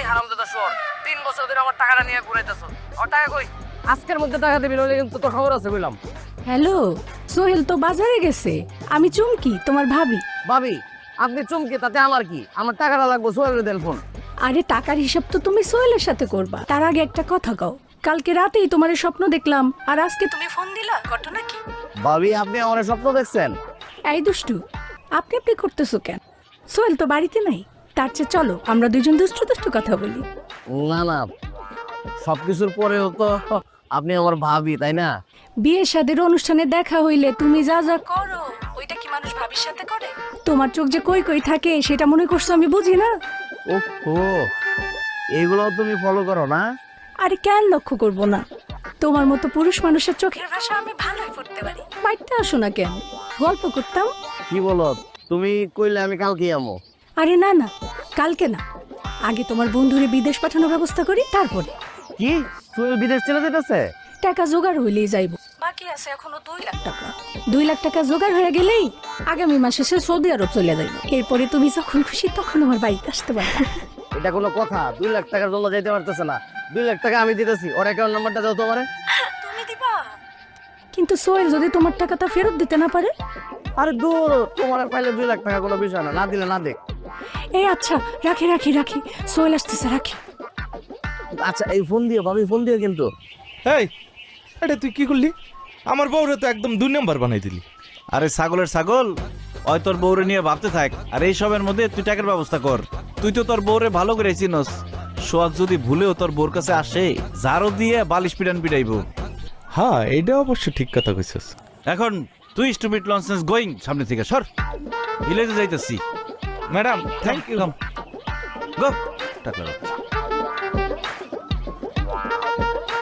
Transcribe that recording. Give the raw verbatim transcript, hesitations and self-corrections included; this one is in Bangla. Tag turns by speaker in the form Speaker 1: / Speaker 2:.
Speaker 1: হারামজাদা শোর তিন বছর ধরে আমার টাকাটা নিয়ে ঘুরাইতেছ আমার টাকা কই আজকের মধ্যে টাকা দিবি নইলে কিন্তু তোর খবর আছে বললাম।
Speaker 2: হ্যালো, সোহেল তো বাজারে গেছে, আমি চুমকি তোমার ভাবি।
Speaker 1: ভাবি আপনি চমকে তাতে আমার কি, আমার টাকাটা লাগবো সোহেলের দেন ফোন।
Speaker 2: আরে টাকার হিসাব তো তুমি সোহেলের সাথে করবা, তার আগে একটা কথা কও। কালকে রাতেই তোমার স্বপ্ন দেখলাম আর আজকে তুমি ফোন দিলা, ঘটনা কি?
Speaker 1: ভাবি আপনি আমার স্বপ্ন দেখছেন?
Speaker 2: এই দুষ্টু, আপনি আপনি করতেছো কেন? সোহেল তো বাড়িতে নাই, তার চেয়ে চলো আমরা দুজন দুষ্টু দুষ্টু কথা বলি।
Speaker 1: না না সবকিছুর পরেও তো আপনি আমার ভাবি তাই না?
Speaker 2: বিয়ে শাদীর অনুষ্ঠানে দেখা হইলে তুমি যা যা করো ওইটা কি মানুষ ভাবির সাথে করে? তোমার চোখ যে কই কই থাকে সেটা মনে করছো আমি বুঝি না?
Speaker 1: ওহো এগুলো তুমি ফলো করো না?
Speaker 2: আরে কেন লক্ষ্য করব না? তোমার মতো পুরুষ মানুষের চোখের ভাষা আমি ভালোই পড়তে পারি। বাড়িতে আসো না কেন, গল্প করতাম।
Speaker 1: কি বলো তুমি? কইলে আমি কালকে আমো।
Speaker 2: আরে না না, কালকে না, আগে তোমার বন্ধুরে বিদেশ পাঠানোর ব্যবস্থা করি তারপরে।
Speaker 1: কি তুমি বিদেশ চলে যেতেছে?
Speaker 2: টাকা জোগাড় হইলেই যাইব, বাকি আছে এখনো দুই লাখ টাকা। দুই লাখ টাকা জোগাড় হয়ে গেলেই আগামী মাসে সে সৌদি আরব চলে যাইব। এরপরে তুমি যখন খুশি তখন আমার বাড়িতে আসতে পারবে।
Speaker 1: এটা কোনো কথা? দুই লাখ টাকার জন্য যেতে পারতেছে না। দুই লাখ টাকা আমি দিতেছি, ওর অ্যাকাউন্ট নাম্বারটা দাও তোমারে।
Speaker 2: তুমি দিবা? কিন্তু সোহেল যদি তোমার টাকাটা ফেরত দিতে না পারে?
Speaker 1: আরে দূর, তোমার আর পাইলে দুই লাখ টাকা কোনো বিষয় না, না দিলে না দেখ।
Speaker 2: এই আচ্ছা, রাখি রাখি রাখি, সোহেল আসতেছে, রাখি।
Speaker 1: আচ্ছা এই ফোন দিও ভাবি, ফোন দিও কিন্তু।
Speaker 3: এই এটা তুই কি করলি? আমার বউরে তো একদম দুই নাম্বার বানাই দিলি।
Speaker 4: আরে ছাগলের ছাগল, ওই তোর বউরে নিয়ে ভাবতে থাক আর এই সবের মধ্যে তুই টাকার ব্যবস্থা কর। তুই তো তোর বউরে ভালো করে চিনস, সোয়াদ যদি ভুলেও তোর বউর কাছে আসে জারো দিয়ে বালিশ পিটান পিটাইব।
Speaker 3: হ্যাঁ এইটা অবশ্য ঠিক কথা কইছিস।
Speaker 4: এখন তুই স্টুপিড লনসেন্স গোয়িং, সামনে থেকে সর, ভিলেজে যাইতেছি।
Speaker 3: Madam thank you.
Speaker 4: গো টাকা রাখ।